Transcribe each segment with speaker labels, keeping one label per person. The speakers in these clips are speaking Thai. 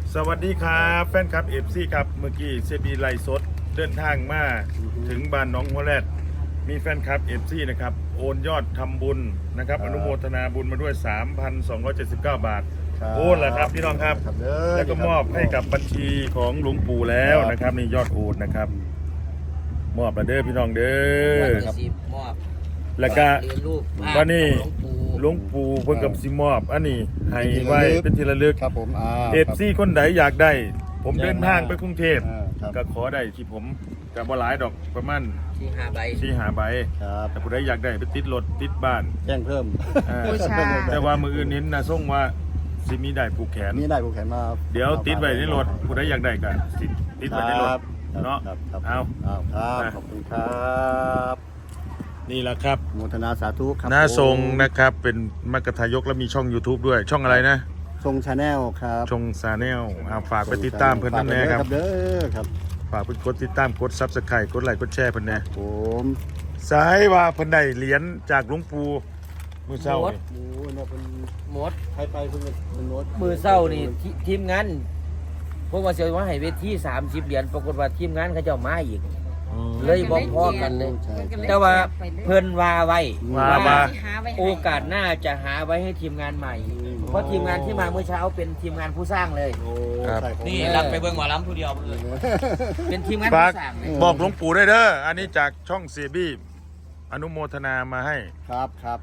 Speaker 1: สวัสดีครับแฟนคลับเอฟซีครับเมื่อกี้เซบีไลฟ์สดเดินทางมาถึงบ้านน้องหัวแรดมีแฟนคลับเอฟซีนะครับโอนยอดทำบุญนะครับอนุโมทนาบุญมาด้วย 3,279 บาทโอนแหละครับพี่น้องครับแล้วก็มอบให้กับบัญชีของหลวงปู่แล้วนะครับนี่ยอดโอนนะครับมอบมาเด้อพี่น้องเด้อแล้วก็วันนี้หลวงปู่เพิ่งกับซิมอบอันนี้ให้ไว้เป็นที่ระลึก
Speaker 2: ครับผม
Speaker 1: เอฟซีคนไหนอยากได้ผมเดินทางไปกรุงเทพก็ขอได้ที่ผมกับบ่หลายดอกประมาณ4-5 ใบแต่ผู้ใดอยากได้ไปติดรถติดบ้าน
Speaker 2: แจ้งเพิ่ม
Speaker 1: แต่ว่ามืออื่นเห็นนะส่งว่าสิมีได้ผูกแขน
Speaker 2: มีได้ผูกแขนมา
Speaker 1: เดี๋ยวติดไว้ในรถผู้ใดอยากได้ก็ติดไว้ในรถเนาะ
Speaker 2: เอาครับขอบคุณครับ
Speaker 1: นี่แหละครับ
Speaker 2: โมทนาสาธุครับ
Speaker 1: น้าทรงนะครับเป็นมรรคทายกและมีช่อง YouTube ด้วยช่องอะไรนะ
Speaker 2: ทรงชาแนลครับ
Speaker 1: ช่องชาแนลฝากไปติดตามเพื่อนนั่นแน่ครับ
Speaker 2: เด้อครับ
Speaker 1: ฝากไปกดติดตามกดซับสไครต์กดไลค์กดแชร์เพื่อนแน่
Speaker 2: ผม
Speaker 1: สายว่าเพื่อนได้เหรียญจากหลวงปู่มือเศร้า
Speaker 2: หมดใครไปเพิ่งเป็นหมด
Speaker 3: มือเศร้านี่ทีมงานพวกว่าเสียว่าให้เวที30 เหรียญปรากฏว่าทีมงานเขาเจ้ามาอีกเลยบอกพอกันเลยแต่ว่าเพิ่นว่าไว้ว่าโอกาสหน้าจะหาไว้ให้ทีมงานใหม่เพราะทีมงานที่มาเมื่อเช้าเป็นทีมงานผู้สร้างเลย
Speaker 4: นี่รับไปเบิ่งหมอลำผู้เดียวเลย
Speaker 3: เป็นทีมงานผู้สร้าง
Speaker 1: บอกหลวงปู่ได้เด้ออันนี้จากช่องเสียบี้อนุโมทนามาให้
Speaker 2: ครับ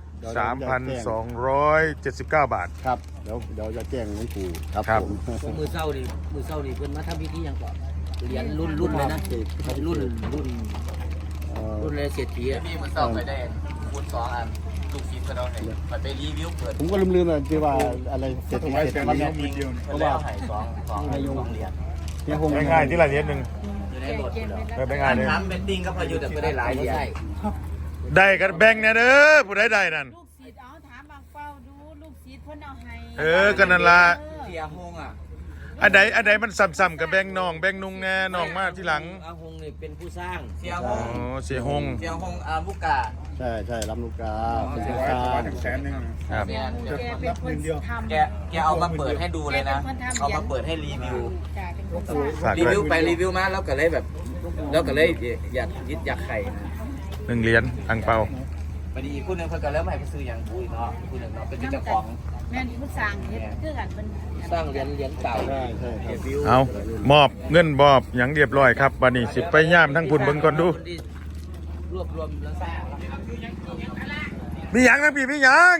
Speaker 1: 3,279 บาท
Speaker 2: ครับเดี๋ยวจะแจ้งหลวงปู่ครับ
Speaker 3: ผมมือเศร้านี่เพิ่นมาทำพิธีอย่างก่อนเหรียญรุ่นเลยนะรุ่นเลยเศรษฐี
Speaker 4: มีมันเศร้าไปได้คูณ2 อันลูกศิษย์เพิ่นเอาให้มันไปรีวิวเปิด
Speaker 2: ผมก็ลืมๆที่ว่าอะไรเสร็จ
Speaker 4: มันเนี่ยมีเพราะว่าให้2เหรียญ
Speaker 1: ง่ายๆที่ละเหรียญนึง
Speaker 4: อยู่ในรถ
Speaker 1: เป็นง่ายเลย
Speaker 4: ทำเป็นติ้งก็พออยู่แต่ไม่ได้หลายเหรียญ
Speaker 1: ได้กันแบ่งเนี่ยเด้อผู้ใดได้นั่น
Speaker 5: ลูกศิษย์เอาถามบางเฝ้าดูลูกศิษย์เพิ่นเอาให้
Speaker 1: กันนั่นล่ะ
Speaker 4: เสียหงอ่ะ
Speaker 1: อันใดมันซ้ำๆกับแบ่งน้องแบ่งนุ่งแน่น้องมาที่หลัง
Speaker 3: อาหงนี่เป็นผู้สร้าง
Speaker 4: เสียหง
Speaker 1: เสียหง
Speaker 4: ลูกกา
Speaker 2: ใช่รับลูกกาเป็นผู้สร้าง
Speaker 1: ครับ
Speaker 4: แกเอามาเปิดให้ดูเลยนะเอามาเปิดให้รีวิวไปรีวิวมาแล้วก็เลยแบบอยากยึดอยากไข่
Speaker 1: 1 เหรียญอังเปา
Speaker 4: พอดีคู่นึงเพิ่นก็เริ่มให้ไปซื้ออย่างปุ้ยเนาะคู่นึงเนาะเป็นเจ้าของ
Speaker 5: แม่นผู้สร้างเฮ็ดคือกันเพิ่น
Speaker 3: สร้างเหรียญเก่า
Speaker 1: เอามอบเงินมอบหยังเรียบร้อยครับบัดนี้สิไปย่ามทั้งพุ่นเบิ่งก่อนดู
Speaker 3: รวบรวมแล้วสร้าง
Speaker 1: มีหยังทั้งพี่มีหยัง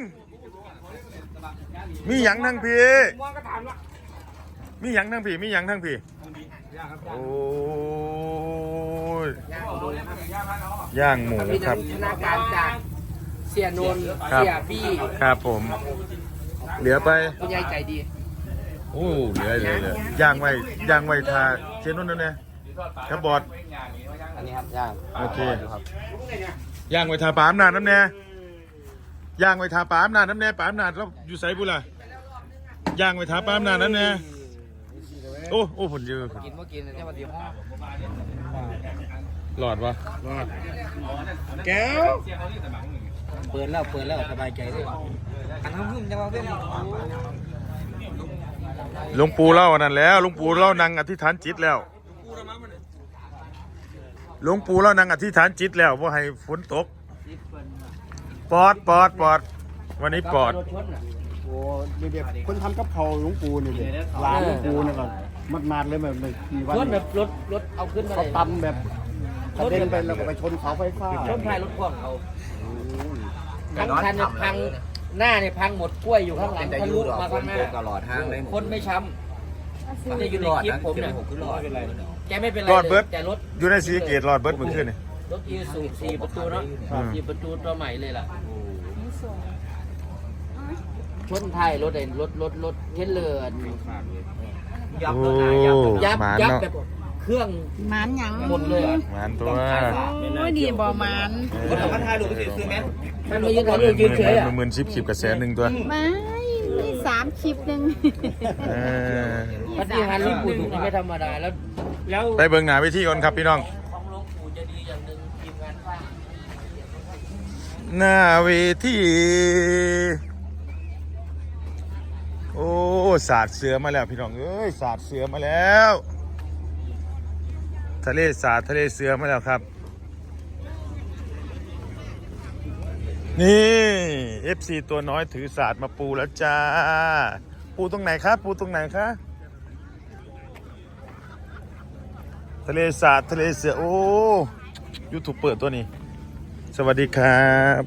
Speaker 1: ทั้งพี่มีหยังทั้งพี่โอ้ยย่างหมูครับ
Speaker 3: ธนาการจากเสียนนท์เสียบี้
Speaker 1: ครับผมเหลือไป
Speaker 3: คุณยายใจดี
Speaker 1: โอ้เหลือย่างไว้ทาเสียนนท์นั่นเนี่ยครับบอด
Speaker 3: อันนี้ครับย่าง
Speaker 1: โอเคย่างไว้ทาปามนาดน้ำแน่ย่างไว้ทาปามนาดน้ำแน่ปามนาดเราอยู่ไสบุล่ะย่างไว้ทาปามนาดน้ำแน่โอ้ผลเยอะ
Speaker 3: กินแค่วันเดียว
Speaker 1: หลอดวะ
Speaker 2: หลอด
Speaker 1: แก้ว
Speaker 3: เปิดแล้วสบายใจเลยอันนั้นพึ่งจะมาเป็น
Speaker 1: หลวงปู่เล่านั่นแล้วหลวงปู่เล่านั่งอธิษฐานจิตแล้วหลวงปู่เล่านั่งอธิษฐานจิตแล้วว่าให้ฝนตกปอดวันนี้ปอด
Speaker 2: โอ้เด็กๆคนทำกับเขาหลวงปู่นี่เลยร้านหลวงปู่นี่ก่อนมาดเลยแบบกี่วัน
Speaker 3: ชนแบบรถเอาขึ้นมา
Speaker 2: เขาตำแบบเขาเดินไปแล้วก็ไปชนเสาไฟฟ้า
Speaker 3: ชนท้ายรถพ่วงเขาทั้งคันเนี่ยพังหน้าเนี่ยพังหมดกล้วยอยู่ข้างหลังทะลุมาข้างหน้า
Speaker 4: ตลอดทางเลย
Speaker 3: คนไม่ช้ำจะอยู่ในคลิปผมเนี่ยแกไม่เป็นไรแต่รถ
Speaker 1: อยู่ในสีเกตรอดเบิร์ดเมื่อคืนนี่
Speaker 3: รถอีซู4 ประตูเนาะ4 ประตูตัวใหม่เลยล่ะชนท้ายรถเทนเลอร์
Speaker 1: ยับ
Speaker 3: แบบเครื่อง
Speaker 5: มันยัง
Speaker 3: หมดเลย
Speaker 1: มันตัว
Speaker 5: โอ้ดีบ่มัน
Speaker 4: คนเอามาถ่ายรูปไปซื้อไหม
Speaker 3: มันไม่ยืนถ่ายรูปยืนเฉย
Speaker 1: มันเหมือน10 คลิปกับ100,000ตัว
Speaker 5: ไม่3 คลิปนึง
Speaker 3: ปฏิหารหลวงปู่ไม่ธรรมดาแล้ว
Speaker 1: ไปเบิ่งหน้าเวทีก่อนครับพี่น้อง
Speaker 3: ของหลวงปู่จะดีอย่างหนึ่งทีมงานสร้าง
Speaker 1: หน้าเวทีโอ้สาดเสือมาแล้วพี่น้องเอ้ยสาดเสือมาแล้วทะเลสาดทะเลเสือมาแล้วครับนี่ FC ตัวน้อยถือสาดมาปูแล้วจ้าปูตรงไหนครับปูตรงไหนคะทะเลสาดทะเลเสือโอ้ยูทูบเปิดตัวนี้สวัสดีครับ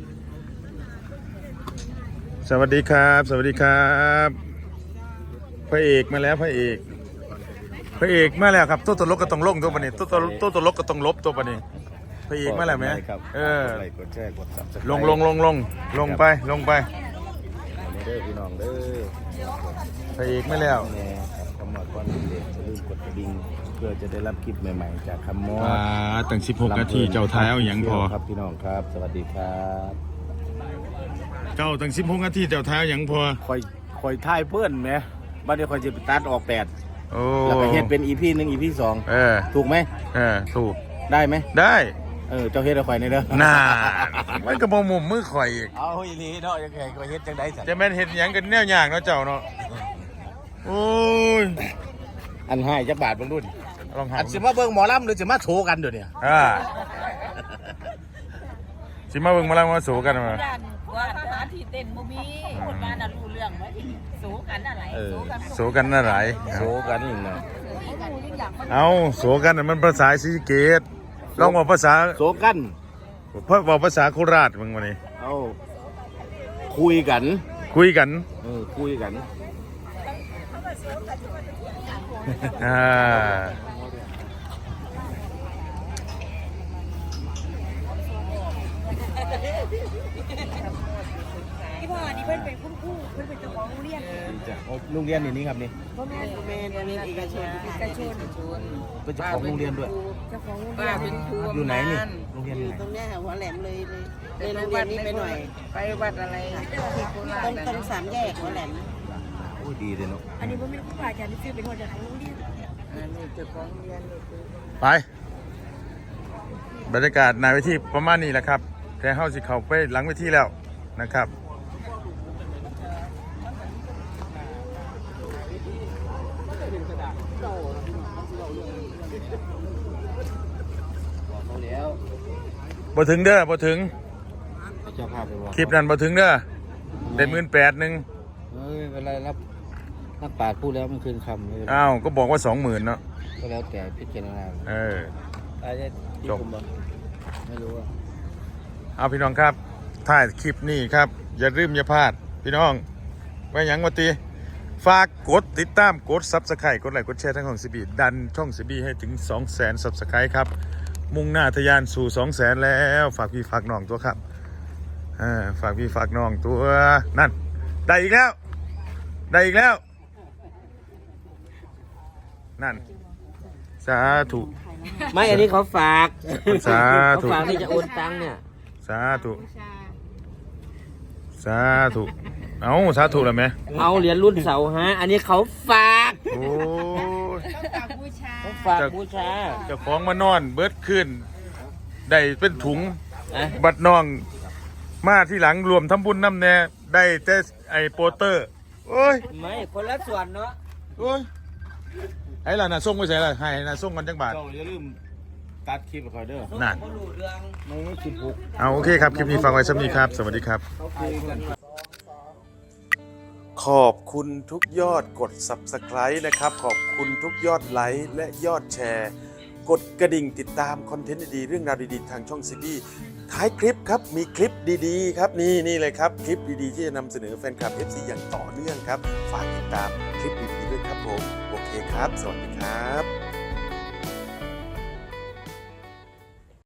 Speaker 1: สวัสดีครับสวัสดีครับพระเอกมาแล้วพระเอกมาแล้วครับตัวตลกก็ต้องลงตัวปะนี้ตัวตลกก็ต้องลบตัวปะนี้พระเอกมาแล้วไหม
Speaker 2: กดแชร์กดซับสไครบ์
Speaker 1: ลงไป
Speaker 2: เด้อพี่น้องเด้อ
Speaker 1: พระเอกมาแล้ว
Speaker 2: เนี่ยคำมอดก้อนเด็กจะลืมกดกระดิ่งเพื่อจะได้รับคลิปใหม่ๆจากคำมอด
Speaker 1: ตั้ง16 นาทีเจ้าท้ายเอาอย่างพอ
Speaker 2: ครับพี่น้องครับสวัสดีครับ
Speaker 1: เจ้าตั้ง16 นาทีเจ้าท้ายเอาอย่างพอ
Speaker 2: คอยถ่ายเพื่อนไหมบ้านนี้คอยจะตัดออก8
Speaker 1: โอ้
Speaker 2: แล้วก็เฮ็ดเป็น EP 1 EP 2ถูกไหม
Speaker 1: ถูก
Speaker 2: ได้ไหม
Speaker 1: ได้
Speaker 2: เจ้าเฮ็ดเอาข่อยในเด้อ
Speaker 1: น่ามันก็บ่มุมมือข่อยอีก
Speaker 2: เอาอีหลีเนาะยังไงก็เฮ็ดจังได๋สั่น
Speaker 1: จะแม่นเฮ็ดหยังกันแนวอย่างเนาะเจ้าเนาะโอ้ย
Speaker 2: อันให้จักบาทเบิ่งรุ่น
Speaker 1: ลองหา
Speaker 2: อันสิมาเบิ่งหมอลำหรือสิมาโชว์กันเดี๋ยวนี้
Speaker 1: สิมาเบิ่งมาแล้วมาสู้กันมา
Speaker 5: ด้านว่าทหารที่เต้นบ่มีคนบ้านน่ะรู้เรื่องไหมที่สู้กันอะไรสู้กัน
Speaker 1: สู้กันน่ะหลาย
Speaker 2: โชว์กันนี่นะ
Speaker 1: เอาสู้กันน่ะมันภาษาศรีสะเกษลองบอกภาษา
Speaker 2: โชว์กัน
Speaker 1: บอกภาษาโคราชมึงมานี่
Speaker 2: เอาคุยกัน
Speaker 1: คุยกัน
Speaker 2: คุยกัน
Speaker 5: ที่พ่อนี่เพิ่นเป็นคุณครูเพิ่นเป็นเจ้าของโรงเรียน
Speaker 2: โรงเรียนนี่ครับนี่
Speaker 5: พ่อแม่โรงเรียนเอกชน
Speaker 2: เป็นเจ้าของโรงเรียนด้วย
Speaker 5: เจ้าของโรงเรียนเป็นครู
Speaker 2: อยู่ไหนนี่โรงเรียนอยู่ไหน
Speaker 6: ตรงเนี้ยหัวแหลมเลยโรงเรียนนี้ไปหน่อย
Speaker 5: ไปวัดอะไรที่โคราช
Speaker 6: ตรงสามแยกหัวแหลม
Speaker 2: โอ้ดีเลยเนาะ
Speaker 5: อันนี้บ่แม่นครูอาจารย์ที่ชื่อเป็นหัวหน้าของโรงเรียนอันนี้เจ้าของโรงเรียนนี่คือ
Speaker 1: ไปบรรยากาศในเวทีประมาณนี้แหละครับแต่เฮาสิเข้าไปหลังเวทีแล้วนะครับบ่ถึงเด้อบ่ถึง
Speaker 2: เจ้าภาพไปว่า
Speaker 1: คลิปนั้นบ่ถึงเด้อได้18,000นึง
Speaker 2: เวลารับปากพูดแล้วมันคืนคำเลย
Speaker 1: อ้าวก็บอกว่า 20,000เนาะ
Speaker 2: ก็แล้วแต่พิจารณา อาจจะ
Speaker 1: จบ
Speaker 2: ไม่รู้ว่า
Speaker 1: เอาพี่น้องครับถ่ายคลิปนี้ครับอย่าลืมอย่าพลาดพี่น้องไว้หยังว่าติฝากกดติดตามกด Subscribe กดไลค์กดแชร์ทั้งของซีบีดันช่องซีบีให้ถึง 200,000 Subscribe ครับมุ่งหน้าทะยานสู่ 200,000 แล้วฝากพี่ฝากน้องตัวครับฝากพี่ฝากน้องตัวนั่นได้อีกแล้วนั่นสาธุ
Speaker 3: ไม่อันนี้เขาฝาก
Speaker 1: สา
Speaker 3: เขา
Speaker 1: ธุ
Speaker 3: ฝากที่จะโอนตังค์เนี่ย
Speaker 1: สาธุเอาสาธุแล้วไหม
Speaker 3: เอาเหรียญรุ่นเสาฮะอันนี้เขาฝาก
Speaker 1: โอ้ย
Speaker 5: ต้องการบูชา
Speaker 3: เขาฝากบูชา
Speaker 1: เจ้าของมานอนเบิดขึ้นได้เป็นถุง
Speaker 3: อะ
Speaker 1: บัดน้องมาที่หลังรวมทำบุญน้ำแน่ได้แต่ไอโปเตอร์โอ้ย
Speaker 3: ไม่คนละส่วนเนาะ
Speaker 1: โอ้ยไอ้ล่ะน่ะส่งไปใส่ล่ะให้น่ะส่งกันจังบาท
Speaker 2: เจ้าอย่าลืมตัดคลิปไปคอยเด้อ
Speaker 1: นั่น
Speaker 3: เขารู้เรื่อง
Speaker 2: ไม่คิดบุก
Speaker 1: เอาโอเคครับคลิปนี้ฟังไว้สักนี้ครับ สวัสดีครับ ขอบคุณทุกยอดกด Subscribe นะครับ ขอบคุณทุกยอดไลค์และยอดแชร์ กดกระดิ่งติดตามคอนเทนต์ดีๆเรื่องราวดีๆทางช่องซีบีท้ายคลิปครับมีคลิปดีๆครับนี่เลยครับคลิปดีๆที่จะนำเสนอแฟนคลับ FC อย่างต่อเนื่องครับฝากติดตามคลิปดีๆด้วยครับผมโอเคครับ สวัสดีครับ